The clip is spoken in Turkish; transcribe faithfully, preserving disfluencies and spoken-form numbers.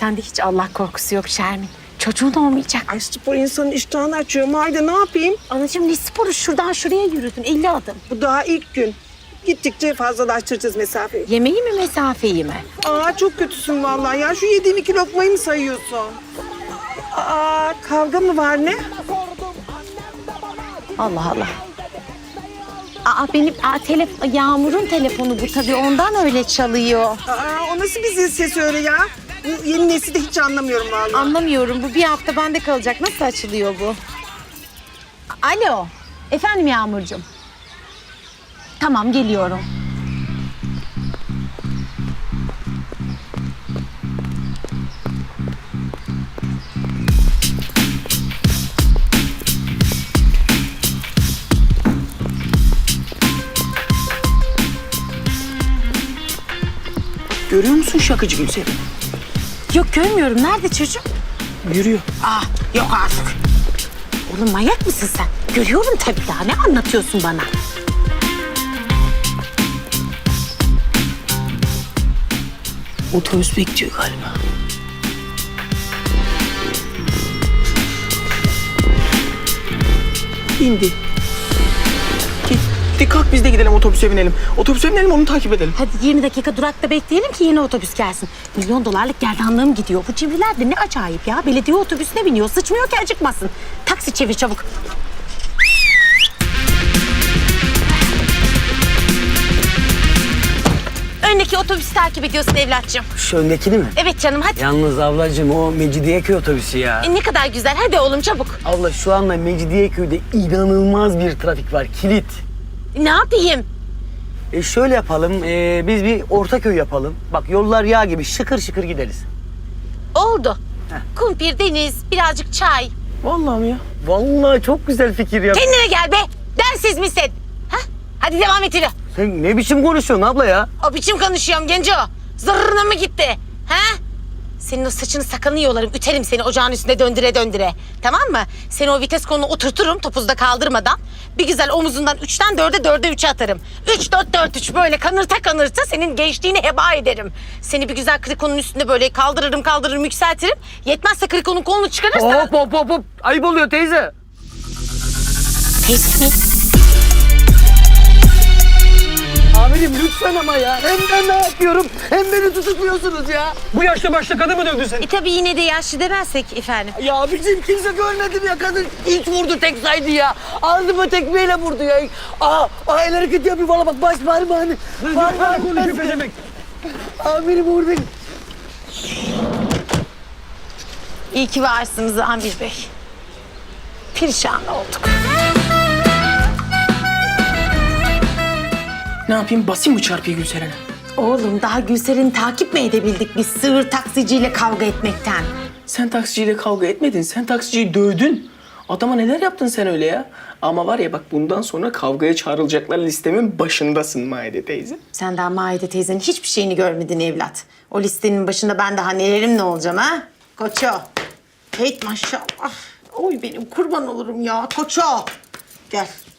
Sende hiç Allah korkusu yok Şermin. Çocuğun olmayacak. Ay spor insanın iştahını açıyor. Haydi ne yapayım? Anacığım ne sporu? Şuradan şuraya yürüdün elli adım. Bu daha ilk gün. Gittikçe fazlalaştıracağız mesafeyi. Yemeği mi mesafeyi mi? Aa çok kötüsün vallahi ya. Şu yediğim iki lokmayı mı sayıyorsun? Aa kavga mı var ne? Allah Allah. Aa benim aa, telef Yağmur'un telefonu bu tabii ondan öyle çalıyor. Aa o nasıl bir zil sesi öyle ya? Bu yeni nesli de hiç anlamıyorum vallahi. Anlamıyorum bu bir hafta bende kalacak. Nasıl açılıyor bu? Alo. Efendim Yağmurcuğum. Tamam geliyorum. Görüyor musun şakacı Gülseren? Yok görmüyorum. Nerede çocuk? Yürüyor. Aa yok artık. Oğlum manyak mısın sen? Görüyorum tabii daha. Ne anlatıyorsun bana? Otobüs bekliyor galiba. İndi. Gitti kalk biz de gidelim otobüse binelim. Otobüse binelim onu takip edelim. Hadi yirmi dakika durakta bekleyelim ki yeni otobüs gelsin. Milyon dolarlık gerdanlığım gidiyor. Bu cimriler de ne acayip ya. Belediye otobüsüne biniyor. Sıçmıyor ki acıkmasın. Taksi çevir çabuk. Öndeki otobüsü takip ediyorsun evlatçığım. Şu öndekini mi? Evet canım hadi. Yalnız ablacığım o Mecidiyeköy otobüsü ya. E, ne kadar güzel. Hadi oğlum çabuk. Abla şu anda Mecidiyeköy'de inanılmaz bir trafik var. Kilit. Ne yapayım? E şöyle yapalım. e, biz bir Ortaköy yapalım. Bak yollar yağ gibi şıkır şıkır gideriz. Oldu. Kumpir, deniz, birazcık çay. Vallahi mi ya? Vallahi çok güzel fikir ya. Kendine gel be. Densiz misin? Ha? Hadi devam et yürü. Sen ne biçim konuşuyorsun abla ya? O biçim konuşuyorum genco. Zırrına mı gitti? Ha? Senin o saçını sakalını yolarım. Üterim seni ocağın üstünde döndüre döndüre. Tamam mı? Seni o vites koluna oturturum topuzda kaldırmadan. Bir güzel omuzundan üçten dörde dörde üçe atarım. Üç dört dört üç böyle kanırta kanırta senin gençliğini heba ederim. Seni bir güzel krikonun üstünde böyle kaldırırım kaldırırım yükseltirim. Yetmezse krikonun kolunu çıkarırsan... Hop hop hop hop. Ayıp oluyor teyze. Teyze mi? Amirim lütfen ama ya. Hem ben ne yapıyorum hem beni tutukluyorsunuz ya. Bu yaşta başta kadın mı dövdün sen? E tabii yine de yaşlı demezsek efendim. Ya abicim kimse görmedi ya kadın ilk vurdu tek saydı ya. Alnıma tekmeyle vurdu ya. Aa, aa el hareketi yapıyor valla bak baş parmağını. Bana konuşuyor pezemek. Amirim vurdu. İyi ki varsınız Amir Bey. Perişan olduk. Ne yapayım basayım mı çarpıyı Gülseren'e? Oğlum daha Gülser'in takip mi edebildik biz sığır taksiciyle kavga etmekten? Sen taksiciyle kavga etmedin. Sen taksiciyi dövdün. Adama neler yaptın sen öyle ya? Ama var ya bak bundan sonra kavgaya çağrılacaklar listemin başındasın Maide teyze. Sen daha Maide teyzenin hiçbir şeyini görmedin evlat. O listenin başında ben daha nelerim ne olacağım ha? Koço. Hey maşallah. Oy benim kurban olurum ya. Koço. Gel.